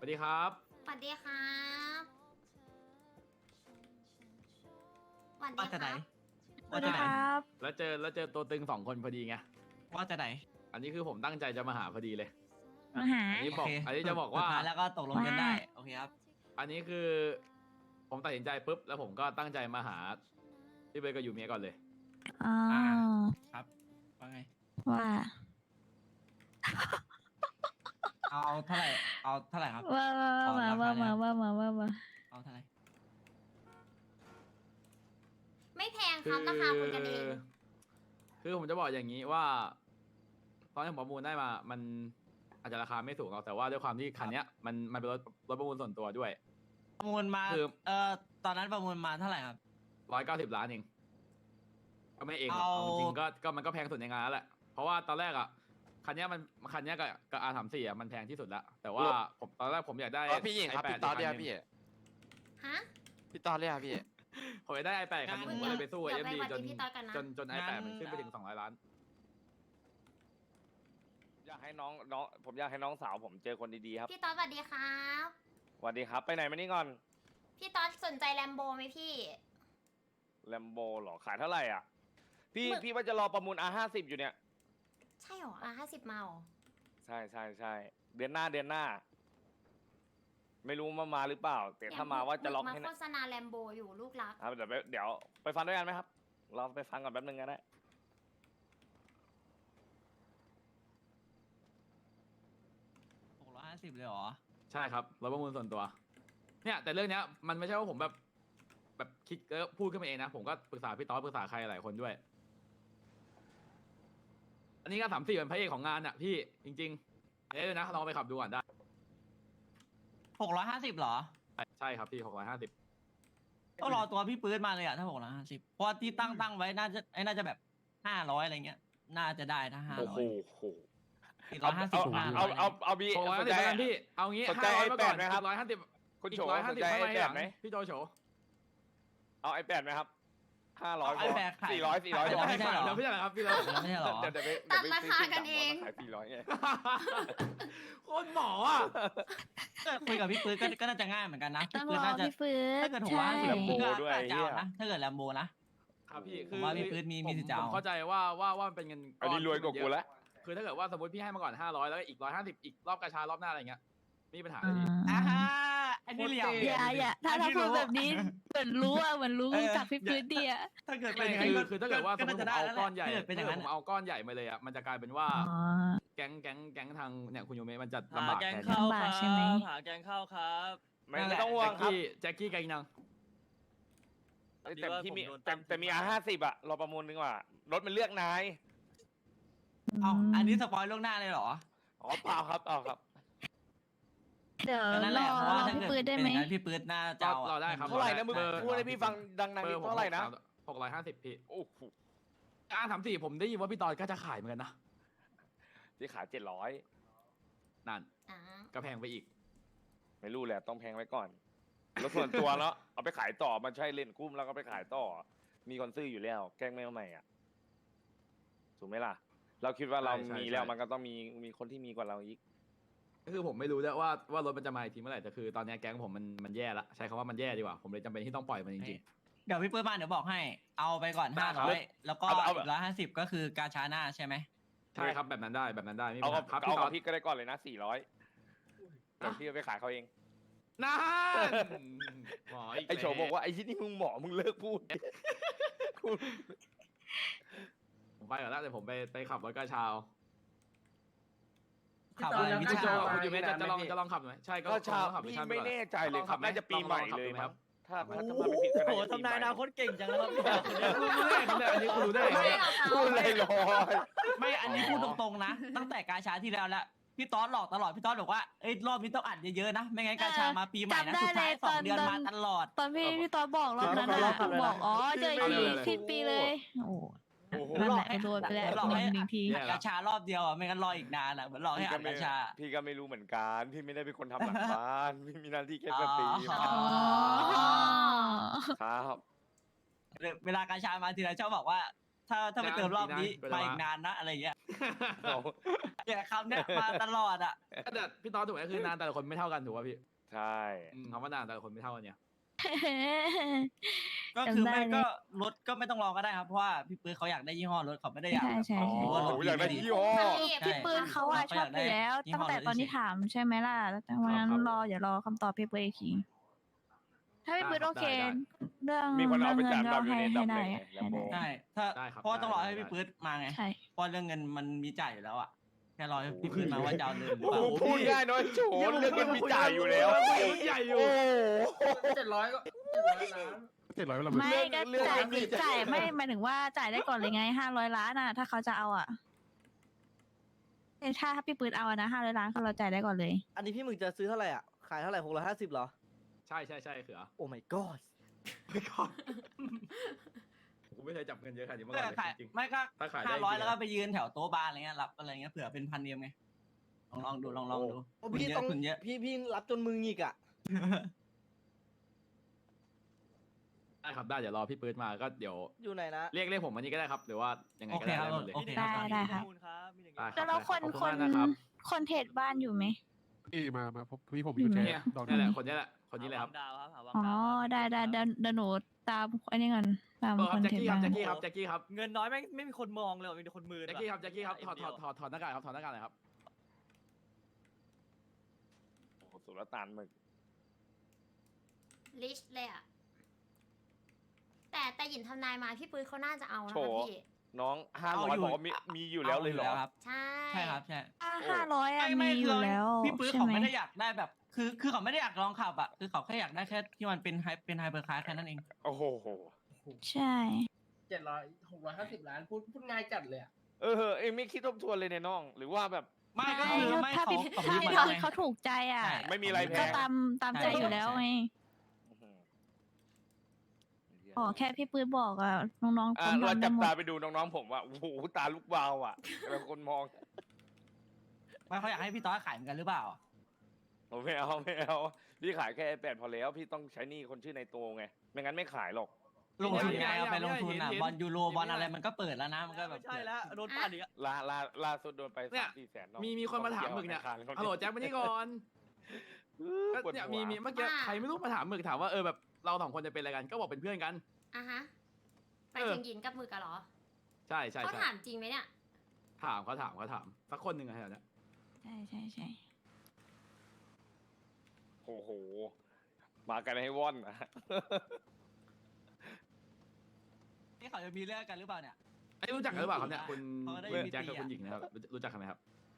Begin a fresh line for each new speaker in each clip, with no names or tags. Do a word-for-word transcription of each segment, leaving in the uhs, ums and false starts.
วัสดีครับ
สวัสดีครับสวัสดี
ว่าจะ
ค
ไหน
รับ
สวัสดีครับ
แล้วเจอแล้วเจอตัวตึงสองคนพอดีไง
ว่าจะไหน
อันนี้คือผมตั้งใจจะมาหาพอดีเลย
มาหา
อันนี้บอก
โเค
อันนี้จะบอกว่า
สุดท้ายแล้วก็ตกลงกันได้ โอเคครับ
อันนี้คือ ผมตัดสินใจปุ๊บแล้วผมก็ตั้งใจมาหาพี่เบย์กับยูเมียก่อนเลย
อ๋อ
ครับว่าไง
ว่า
เอาเอาเท่าไหร่ เอาเท่าไหร่ครับ
ว่าว่า
ขอ
ว่า
รา
ว่า
คา
ว่า
เนี่ย
ว่าว่าว่าว่า
เอาเท่าไหร่
ไม่แพงค
คื
รับราคาคุยกันเอง
คือผมจะบอกอย่างนี้ว่า ตอนที่ผมประมูลได้มา มันอาจจะราคาไม่สูงหรอกแต่ว่าด้วยความที่คันเนี้ยมันมันเป็นรถรถประมูลส่วนตัวด้วย
ประมูลมา
คือ
เอ่อ ตอนนั้นประมูลมาเท่าไหร่ครับ
ร้อยเก้าสิบล้านเองก็ไม่เองหรอก
เอา
เอาจริงๆก็ก็มันก็แพงสุดในงานแล้วแหละเพราะว่าตอนแรกอ่ะคันเนี้ยมันคันเนี้ยกับกับอาร์สามสี่อ่ะมันแพงที่สุดละแต่ว่าผมตอนแรกผมอยากได้
เออพี่หญิงครับ
ไอแปด
พี่ตอนเรียก
คันหนึ่ง
พี่
ฮะ
พี่ตอนเรียกพี่
ผมอยากได้ไอแปดคันหนึงผมก็เลยไปสู้
เดี๋
เอ็
ยว
ม
ไป
ดี
วัด
จน
ที่พี่ต๊อดกันนะ
จนจนไอแปดมันขึ้นไปถึงสองร้อยล้าน
อยากให้น้องน้องผมอยากให้น้องสาวผมเจอคนดีๆครับ
พี่ต๊อดสวัสดีครับ
สวัสดีครับ ไปไหนมานี่ก่อน
พี่ต๊อดสนใจแลมโบไหมพี่
แลมโบหรอขายเท่าไหร่อ่ะ พี่
หมื่น
พี่ว่าจะรอประมูล อาร์ ห้าสิบ อยู่เนี่ย
ใช่หรออ่ะห้าสิบมาหรอ
ใช่ใช่ใช่เดือนหน้าเดือนหน้า ไม่รู้มามาหรือเปล่า แต่ถ้ามาว่าจะล็อก
มา
ให้
โฆ
นะ
ษณาแลมโบอยู่ลูกรัก
ครับเดี๋ยวไปเดี๋ยวไปฟังด้วยกันไหมครับ เราไปฟังก่อนแป๊บนึงก็ได้
หกร้อยห้าสิบเลยเหรอ
ใช่ครับรถประมูลส่วนตัว เนี่ยแต่เรื่องเนี้ยมันไม่ใช่ว่าผมแบบแบบคิดเออพูดขึ้นมาเองนะ ผมก็ปรึกษาพี่ต๊อดปรึกษาใครหลายคนด้วย อันนี้ก็สามสี่เป็นพระเอกของงานอ่ะพี่จริงๆเอ้ยนะลองไปขับดูก่อนได้
หกร้อยห้าสิบเหรอ
ใช่ครับพี่หกร้อยห้าสิบ
ต้องรอตัวพี่ปื๊ดมาเลยอะถ้าหกร้อยห้าสิบเพราะว่าที่ตั้งตั้งไว้น่าจะไอ้น่าจะแบบห้าร้อยอะไรเงี้ย น่าจะได้ถ้าห้า
โอ้
ร้
โห
อยสี่ร้
เอา
อยห้าสิ
เอา
บห้าร้
เอา
อย
เอาเอาบี
หกร้อย
ส
ห้าน สิบ
ใจ
แล้วกันพี่เอางี้
สนใจ
ห้าร้อยมาก่อน
ไอแปดไหมครับ
ร้อยห้าสิบ
คุณ
อี
โฉ
กร้อยห้า
ส
สิ
น
บ
ใจ
ข้าง
ไอ
ใน
แป
ห
ด
ลัง
ไหม
พี่โจโฉ
เอาไอแปดไหมครับห้าร้อย
เอา iPad ขาย
สี่ร้อยสี่ร้อย
ขาย
เดี๋ยว
ไม่
ให้
ใช่เหรอ
แล้วพี่อะไรครับพี่เรา
ไม่ใช่เหรอ
เดี๋ยวเดี๋ยวไป
ตัด
เยวไป
ราคากันเอง
ขายสี่ร้อยไง
โคตรหมออ่ะ
คุยกับพี่ปื๊ดก็ก็น่าจะง่ายเหมือนกันนะ
ต้
พี่
อง
ปื๊
ร
ด
อ
น่าจะ
พี่ฟื้
ถ้าน เกิดหกร้อย
ใช่
ห้าสิบ
แลมโบ
ก็
ด้วย
ก็จะเอา
เหี้ย
นะถ้าเกิดแลมโบนะ
ครับพี่
ผมว่าพี่ปื๊ดมีมีสิทธิ์จะเอา
ผมเข้าใจว่าว่าว่ามันเป็นเงิน
อันนี้รวยกว่ากูแล้ว
คือถ้าเกิดว่าสมมติพี่ให้มาก่อนห้าร้อยแล้วก็อีกร้อยห้าสิบอีกรอบกระชารอบหน้าอะไรเงี้ยไม่มีปัญหาเลยพี่
อ่าฮะอันนี้เหลี่ยม
อย่าอย่าถ้า
อัน
ถ้า
นี้
พูด
รู้
แบบนี้เหมือนรู้อ่ะเหมือนรู้
เออ
จากพี่ฟื้นดีอ่ะ
ถ้าเกิดเป็
ไม่
นอย่าง
คื
นั้น
อคือถ้าเกิดว่าสมมติผมเอาก้อนใหญ่
ถ้าเกิดเป็นอย่างนั้น
ผมเอาก้อนใหญ่มาเลยอ่ะมันจะกลายเป็นว่า
อ๋อ
แก๊งแก๊งแก๊งทางเนี่ยคุณโยเมะมันจะ
หา
ลำบาก
แกง
แทน
ข้าว
ลำบาก
ค
ใช่ไหม
รับหาแกงข้าวครับ
ไม่ไม่ต้องห่ว
แจ็
ง
ค
ครับ
กี้แจ็คกี้ไกนัง
แต่ที่มี
ดีว่าผมโดน
แต่
ตั้ง
แต่มี อาร์ ห้าสิบ อะเราประมูลดีกว่ารถมันเลือกนาย
เอาอันนี้สปอยล่วงหน้าเลยเหรอ
อ๋อเปล่าครับเปล่าครับ
เดี๋ยว
ก็นั่นแห
ร
ละ
อ
เพราะ
ร
ว่า
อ
ถ้า
พี่
เกิด
ฟื้นได้
เป็น
ไหม
อย่างนั้นพี่ปื๊ดน่าจะ
ก็
เอา
เราได้ครับ
เท่าไหร่นะมึง
เบอร์
พูดให้พี่ฟังดังๆ
เบ
นิ
อ
ด
ร์ผม
เท่าไหร่นะ
หกร้อยห้าสิบพี่
โอ้โห
อาร์สามสี่ผมได้ยินว่าพี่ตอนก็จะขายเหมือนกันนะ
ที่ขายเจ็ดร้อย
นั่น
อ่า
ก็แพงไปอีก
ไม่รู้แหละต้องแพงไว้ก่อนรถส่วนตัวเนาะเอาไปขายต่อมันใช่เล่นกุ้มแล้วก็ไปขายต่อ มีคนซื้ออยู่แล้ว แกล้งไม่เอาใหม่อ่ะถูกไหมล่ะ เราคิดว่าเรา
ใช่ใช่
มีแล้ว
ใช่
มันก็ต้องมีมีคนที่มีกว่าเราอีก
ก็คือผมไม่รู้ด้วยว่าว่ารถมันจะมาอีกทีเมื่อไหร่แต่คือตอนนี้แก๊งผมมันมันแย่ละใช้คำว่ามันแย่ดีกว่าผมเลยจำเป็นที่ต้องปล่อยมันจริง
เดี๋ยวพี่ปื๊ดมาเดี๋ยวบอกให้ เอาไปก่อน
ได้
ห้า
ครั
ร้
บ
อยแล้วก็
เอาเอา
อีกร้อยห้าสิบก็คือกาชาหน้าใช่ไหม
ๆใช่ครับแบบนั้นได้แบบนั้นได้ไม่มี
เอา
ปัญ
กับ
หาครับ
เอา
พี่ตอ
กัน บพี่ก็ได้ก่อนเลยนะสี่ร้อยเดี๋ยวพี่เอาไปขายเขาเอง
นั่นหมออีก
ไอโฉบอกว่าไอ้ที่นี่มึงหมอมึงเลิกพูด
ผมไปก่อนแล้วเดี๋ยวผมไปไปขับรถกระเช้า
ขับอะไร
พี่
พี่
โจ
ชา
คุณยูเมะจะจะลองจะลองขับไหมใช่ก็
ก็ชา
ลองขับ
พี่
ชั่นป
ไม่
ก่อ
แน่ใจเลย
ลอง
ครับ
ไหม
น่าจะปีใหม่
องขับ
เลย
ดูไห
มั้ง
ครับ
ถ้าถ้า
โอ้
ถ้าไม่ผิดก็
โห
น่าจะปี
ทำ
ให
นาย
ม่
อนาคตเก่งจังเลยครับเนี่ย
รู้ได้รู้ได้อันนี้คุณรู้ได้ไง
ไม่หรอกค่ะ
พูดเลยลอย
ไม่อันนี้พูดตรงๆนะ ตั้งแต่กาชาที่แล้วละพี่ต๊อดหลอกตลอดพี่ต๊อดบอกว่าเอ้ยรอบนี้ต้องอัดเยอะๆนะไม่งั้นกาชามาปีใหม่นะ
จำได้
สุดท้ายสอง
เลยตอน
เดือน
ตอน
มาตลอด
ตอนพี่พี่ตอนบอกรอบนั้นอ่ะบอกอ๋อเจอทีสิ้นปีเลย โอ้
โอ้โห
นั่นแหละโดนไปแล้ว
หลอกให้
หนึ่งที
แย่
กาชารอบเดียวอ่ะไม่งั้นรออีกนานอ่ะเหมือนหลอกให้
พี่
อั
ก็
ด
ไม่
กาชา
พี่ก็ไม่รู้เหมือนกันพี่ไม่ได้เป็นคนทำหลังบ้านพี่มีหน้าที่แค่สตรีม
อ๋อ
อ๋อ
ครับ
เวลากาชามาทีไรชอบบอกว่า ถ้าถ้าไปเติมรอบนี้
ไปนะ
มาอีกนานนะอะไรเงี้ย
เอา
เนี่ยคำเนี้ยมาตลอดอ่ะ
แต่พี่ตอนถูกไหมคือนานแต่ละคนไม่เท่ากันถูกป่ะพี่
ใช่
อืมคำว่านานแต่ละคนไม่เท่ากันเนี่ย
ก็คือ
จำได้
ไม่
เลย
ก็รถก็ไม่ต้องรอก็ได้ครับเพราะว่าพี่ปื้ดเขาอยากได้ยี่ห้อรถเขาไม่ได้อยาก
ใช่ใช่
แบบ
ใช่
เอาว่ารถ
โอ้อยากได้
ดี
ยี่ห้อ
พี่
พี่ปืนเขาอะชอบอยู่แล้ว ตั้งแต่ตอนที่ถามใช่ไหมล่ะแต่วันนั้นรออย่ารอคำตอบพี่ปืนอีกทีถ้าพี่ปืนโอเค เรื่อง
มีคนเอาไป
เรื่อง
จาน
เงิน
ดำอยู่
ก็
ใน
ให้
อันดับ
ให้
หนึ่ง
ได้
ไง Lambo
ใช่ถ้า
ได้ครับ
เพราะว่าต้องรอให้
ได้
พี่ปื๊ดมาไง
ใช่
เพราะเรื่องเงินมันมีจ่ายอยู่แล้วอ่ะแค่รอให้พี่
โอ้โห
ปื๊ดมาว่าจะเอาเงินหรือ
โอ้
เปล่า
โหพูดง่ายน้อยโฉนเรื่องเงินมีจ่ายอยู่แล้ว
ใหญ่อยู่
โอ้โห
เจ็ดร้อยก็เจ็ดร้อยล้าน
เจ็ดร้อยเวลา
ไม่ก็
เรื่อง
จ่าย
เรื่อง
จ่ายไม่หมายถึงว่าจ่ายได้ก่อนเลยไงห้าร้อยล้านอ่ะ ถ้าเขาจะเอาอ่ะแต่ถ้าพี่ปืนเอาอะนะห้าร้อยล้านเขาเราจ่ายได้ก่อนเลย
อันนี้พี่หมึกจะซื้อเท่าไหร่อ่ะ ขายเท่าไหร่หกร้อยห้าสิบเหรอ
ใช่ใช่ใช่เขือ
โอ้ my god
ไม่ก่อนกูไม่เคยจับเงินเยอะขนาดนี้มา
ไม่
ก่อนเลย
ขาย
จริง
ไม่ก็
ถ้าขายได้
ห้าร้อย
จริงๆ
แล้วก็ไปยืนแถวโต๊ะบาร์อะไรเงี้ยรับอะไรเงี้ยเผื่อเป็นพันเดียมไงลองลองดูลองลองดู
โอ้
คุณ
พี่
เย
ต้อ
อะ
ง
คุณเยอะ
พี่พี่รับจนมือหงิกอ่ะ
ๆได้ครับได้เดี๋ยวรอพี่ปื๊ดมาก็เดี๋ยว
อยู่ไหนนะ
เรียกเรียกผมวันนี้ก็ได้ครับ หรือว่ายังไง
โอ
ก็
เค
ได้
ครับ
ได้หมดเลย
โอเค
ได้ได้ครับ
ข้อมูลครับมีอย่าง
ได้
งี้
ครั
แล้
บ
วเราคน
ขอบ
คน
มากนะครับ
คนเทรดบ้านอยู่ไหม
นี่มามาพบพี่ผมอ
อยู่
ยู่
ไหน
แจ
เนี่ย
ดอก
นี่แหละคนนี้แหละคนนี้เลยครับ
หาวังดาวครับหาวัง
อ๋อ
ดาวครับ
ได้ได้เดี๋ยวเดี๋ยวหนูตามอันนี้ก่อนตาม
เออค
ครับ น
แจ็ค
เทรด
กี้ครับ
บ้าน
แจ็คกี้ครับแจ็คกี้ครับ
เงินน้อยไม่ไม่มีคนมองเลยว่ะมีแต่คนมือ
แจ็คกี้ครับแจ็คกี้ครับถอดถอดถอดถอดหน้ากากครับถอดหน้ากากหน่อยครับ
โอ้โหสุลต่านหมึก
ลิชเลยอะแต่แต่หยินทำนายมาพี่ปืนเขาน่าจะเอานะ
โฉ
คะพี่
น้องห้า
เอา
ร้อย
อยู่
บอกว่ามีมีอยู่แล้วเลยเหรอ
ครับ
ใช่
ใช่ครับใช่
ห้าร้อยอะ
ไม่ไม่
มีอ
คื
ยู่แล้ว
พี่ปื้ด
ใช่
เขา
ไหม
ไม่ได้อยากได้แบบ คือคือเขาไม่ได้อยากลองขับอ่ะคือเขาแค่อยากได้แค่ที่มันเป็นไฮเป็นไฮเปอร์คาร์แค่นั้นเอง
โอ้โห
ใช่
เจ็ดร้อยหกร้อยห้าสิบล้านพูดพูดง่ายจัดเลยอ่ะ
เออเอ็งไม่คิดทบทวนเลยเนี่ยน้อง หรือว่าแบบ
ไม่ก็คือไม่
ถ้า
เขา
พี่
เขา
ถ้า
ยืม
พี่
มา
ปื
แล้ว
น
ไง
เขาถูกใจอ่ะ
ใช่
ไม่มีอะไรแพ
ก็
ง
ตามตามใจอยู่แล้วไง
อื้อหือ
อ๋อแค่พี่ปืนบอกอ่ะน้องๆ
อ่ะ
ทำ
เรา
ทำได้
จับ
หม
ตา
ด
ไปดูน้องๆผมว่าโอ้โหตาลูกวาวอ่ะแต่คนมอง
ไม่เขาอยากให้พี่ต้อยขายเหมือนกันหรือเปล่า
ผมไม่เอาไม่เอาพี่ขายแค่แปดพอแล้ว พี่ต้องใช้หนี่คนชื่อในโตไง ไม่งั้นไม่ขายหรอก
ลงทุนไงเอาไปลงทุนอ่ะ
เห็นเห็น
บอลยูโรบอลอะไรมันก็เปิดแล้วนะมันก็แบบ
ไม่ใช่แล้วโดนปั่นอีกอะ
ลาลาล่าสุดโดนไป
เนี่
สาย มสี่แสนน้อง
มีมีคนมาถามหมึกเนี่ย
ธาคารขา
ฮัลโหลแจ็คมานี่ก่อนก็
ปวด
เนี่ย
หัว
มีมีเมื่อกี้ใครไม่รู้มาถามหมึกถามว่าเออแบบเราสองคนจะเป็นอะไรกันก็บอกเป็นเพื่อนกัน
อ่ะฮะไป
เออ
ถึงหยินกับมือกันเหรอ
ใช่ใช่
เขา
ใช่
ถามจริงไหมเนี่ย
ถามเขาถามเขาถามสักคนหนึ่งอะแถวเนี้ย
ใช่ใช่ใช่
โอ้โห มากันให้ว่อนนะ
นี่เขาจะมีเรื่องกันหรือเปล่าเนี่ย
ไอ้ยรู้จักกันหรือเปล่าครับเนี่ยคุณ
เขาก็ได้
คุณ
มี
แจ็คกับ
ตีอะ
คุณหญิงนะครับรู้รู้จักกันไหมครับ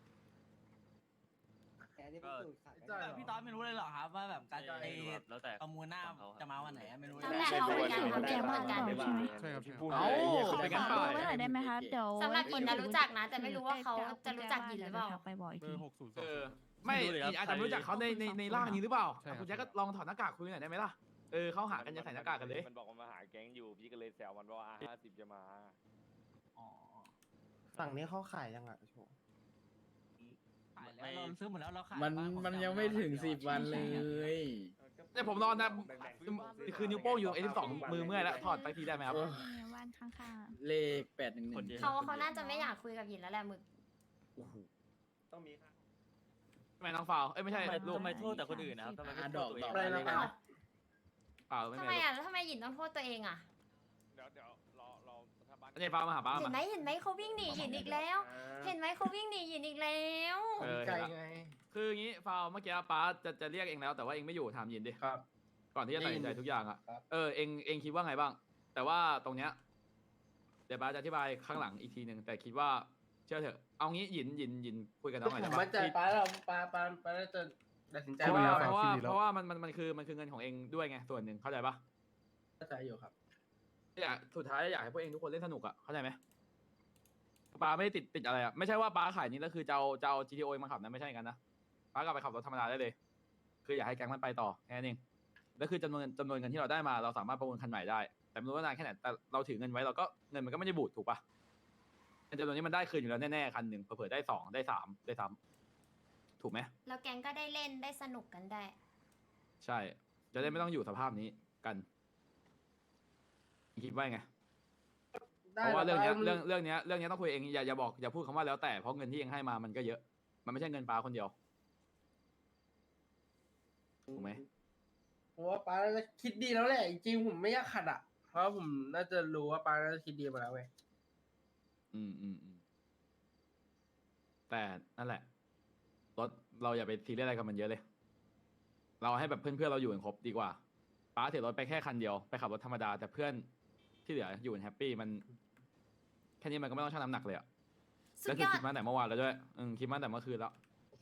พี่ต้อยไม่รู้เลยเหรอครับว่าแบบการ
ใช่
ไอ้
แล้วแต่
ประมูลหน้า
ของเขาครับ
จะมาวันไหนอะไม่รู้เลย
แล้วแต่เขาเหมือนกันเขาแกเหมือนกัน
ใช่ไหม
ใช่ครับ
ที่
ใช่
พูด
เอ้า
เลย
เขาเป็นกัน
ฝาก
เปล่า
เบอร์ไว้หน่อยได้ไหมคะเดี๋ยว
สำหรับหยินนะรู้จักนะ แต่ไม่รู้ว่าเขาจะรู้จักหยินหรือเปล่า
ไปบอกอีก
เบอ
ที
ร์หกศูนย์ส
เอ
อง
อไม่
ไม่รู้เลยครับ
อาจจะไม่รู้จักเขาในในในร่างนี้หรือเปล่า
ใช่ครับ
คุณแจ็คก็ลองถอดหน้ากากคุยหน่อยได้ไหมล่ะเออเขาหากันจะใส่หน้ากากกันเลย
มันบอกว่ามาหาแก๊งอยู่ พี่ก็เลยแซวมันว่าห้าสิบจะมา
อ๋อ
ฝั่งนี้เขาขายยังอ่ะโช
ขายแล้วเราซื้อหมดแล้วเราขาย
มัน
บ้างผ
มัน
จะ
ยัง
เอา
ไม่ถึง
ดี๋ว
สิบวันเลย
เนี่ยผมนอนนะคือนิ้วโป้งอยู่เอฟสองมือเมื่อยแล้วถอดไปทีได้ไหมครับ
โอ้
เนี่ยบ้านข้าง
เลขแปดหนึ่งหนึ่ง
เขาเขาน่าจะไม่อยากคุยกับหยินแล้วแหละหมึก
ต้องมีค่ะ
ทำไมน้องฟาวเอ้ยไม่ใช่
ทำไม
ลูก
ทำไมโทษแต่คนอื่นนะครับทำไมไม่
อ่ะ
โท
ดอ
ษ
ก
ตัวเอ
ดอก
ง
อะไรนะ
อ้าว
เปล่าไม่
ทำ
เป็น
ไม
ไร
อ่ะแล้วทำไมหยินต้องโทษตัวเองอ่ะ
เดี๋ยวเดี๋ยวรอรอถ้าบ้าน
ไอ้ฟาวมาหาป้า
เห็น
มา
ไหมเห็นไหมเขาวิ่งหนีหยินอีกแล้ว เห็นไหมเขาวิ่งหนีหยินอีกแล้ว
เออ
ใจ
เห็นละ
ไง
คืออย่างงี้ฟาวเมื่อกี้ป้าจะจะเรียกเองแล้วแต่ว่าเองไม่อยู่ถามยินดิ
ครับ
ก่อนที่จะตัดสินใจทุกอย่างอ่ะ
ครับ
เออเองเองคิดว่าไงบ้าง แต่ว่าตรงเนี้ยเดี๋ยวป้าจะอธิบายข้างหลังอีกทีหนึ่งแต่คิดว่าเชื่อเถอะเอางี้หยินหยินหยินคุยกับน้องหน่อย
ผ
ได้
ม
ปะ
มั่นใจป้าเราป้าป้าป้าน่าจะตัดสินใจ
เพราะ
ไว้
ว่า
แล้ว
เพราะว่า
คิดดีแล้ว
เพราะว่ามันมันมันคือมันคือเงินของเองด้วยไงส่วนหนึ่งเข้าใจปะ
เข้าใจอยู่ครับ
อยากสุดท้ายอยากให้พวกเองทุกคนเล่นสนุกอ่ะเข้าใจไหมป้าไม่ได้ติดติดอะไรอ่ะไม่ใช่ว่าป้าขายนี้แล้วคือจะเอาจะเอา จี ที โอ มาขับนะไม่ใช่กันนะป้ากลับไปขับรถธรรมดาได้เลย คืออยากให้แก๊งมันไปต่อแค่นั้นเองแล้วคือจำนวนจำนวนเงินที่เราได้มาเราสามารถประมูลคันใหม่ได้ แต่ไม่รู้ว่านานแค่ไหนแต่เราถือเงินไว้เราก็เงินมันก็ไม่ได้บูดถูกปะจำนวนนี้มันได้คืนอยู่แล้วแน่ๆคันหนึ่งเผื่อๆได้สองได้สามได้ซ้ำถูกไหม
แล้วแกงก็ได้เล่นได้สนุกกันได้
ใช่ จะได้ไม่ต้องอยู่สภาพนี้กันคิดว่าไง
ได้
เพราะว่าเรื่องเนี้ย
ป้
เรื่องเรื่องเนี้ยเรื่องเนี้ยต้องคุยเองอย่าอย่าบอกอย่าพูดคำว่าแล้วแต่เพราะเงินที่เองให้มามันก็เยอะ มันไม่ใช่เงินป้าคนเดียวถูกไหม
ผมว่าป้าน่าจะคิดดีแล้วแหละ จริงๆผมไม่อยากขัดอ่ะ เพราะผมน่าจะรู้ว่าป้าน่าจะคิดดีมาแล้วไง
อืมอืมอืมแต่นั่นแหละรถเราอย่าไปซีเรียสอะไรกับมันเยอะเลย เราให้แบบเพื่อนๆเราอยู่กันครบดีกว่าป้าเสียรถไปแค่คันเดียวไปขับรถธรรมดาแต่เพื่อนที่เหลืออยู่กันแฮปปี้มันแค่นี้มันก็ไม่ต้องชั่งน้ำหนักเลยอะ
สุ
แล้ว
ด
คื
ย
อ
อ
คิ
ด
ดมาแต่เมื่อวานแล้วด้วยอืมคิดมาแต่เมื่อคืนแล้ว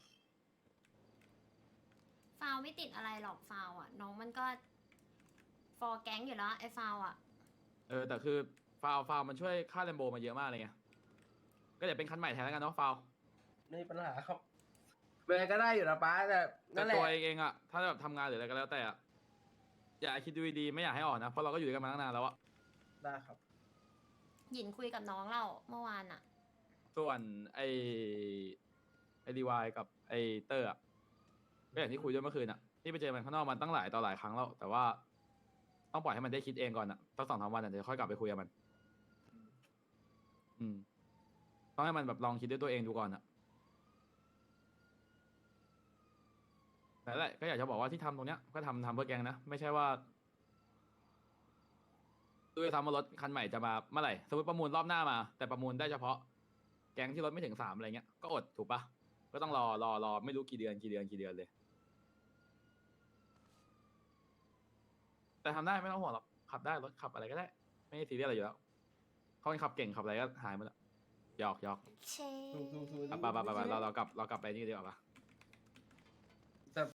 ฟาวไม่ติดอะไรหรอกฟาวอ่ะ น้องมันก็ฟอร์แก๊งอยู่แล้วไอ้ฟาวอ่ะ
เออแต่คือฟาวฟาวมันช่วยค่าแลมโบมาเยอะมากเลยไงก็เดี๋ยวเป็นคันใหม่แทนแล้วกันเนาะฟาว
ไม่มีปัญหาครับเวลาก็ได้อยู่นะป้าแต่
แต่
นั่นแหละ
ตัวเองเองอะถ้าแบบทำงานหรืออะไรก็แล้วแต่อะอย่าคิดดูดีๆไม่อยากให้ออกนะเพราะเราก็อยู่ด้วยกันมาตั้งนานแล้วอะ
ได้ครับ
หยินคุยกับน้องเราเมื่อวานอ่ะ
ส่วนไอไอดีวายกับไอเตอร์อะก็อย่างที่คุยด้วยเมื่อคืนอะที่ไปเจอมันข้างนอกมันตั้งหลายต่อหลายครั้งแล้ว แต่ว่าต้องปล่อยให้มันได้คิดเองก่อนอะสักสองสามวันอะเดี๋ยวค่อยกลับไปคุยกับมัน อืมต้องให้มันแบบลองคิดด้วยตัวเองดูก่อนอะแต่นแหละก็อยากจะบอกว่าที่ทำตรงเนี้ยก็ทำทำเพื่อแกงนะ ไม่ใช่ว่าดูจะทำว่ารถคันใหม่จะมาเมื่อไหร่สมมติประมูลรอบหน้ามา แต่ประมูลได้เฉพาะ แก๊งที่รถไม่ถึงสามอะไรเงี้ยก็อดถูกปะก็ต้องรอรอรอไม่รู้กี่เดือนกี่เดือนกี่เดือนเลย แต่ทำได้ไม่ต้องห่วงหรอกขับได้รถขับอะไรก็ได้ ไม่ซีเรียสอะไรอยู่แล้วเขาเป็นขับเก่งขับอะไรก็หายหมดแล้วหยอกหยอก
เช
ถูกถูกถูก
ไปไปไปไปเราเรากลับเรากลับไปนี่ดีกว่าปะ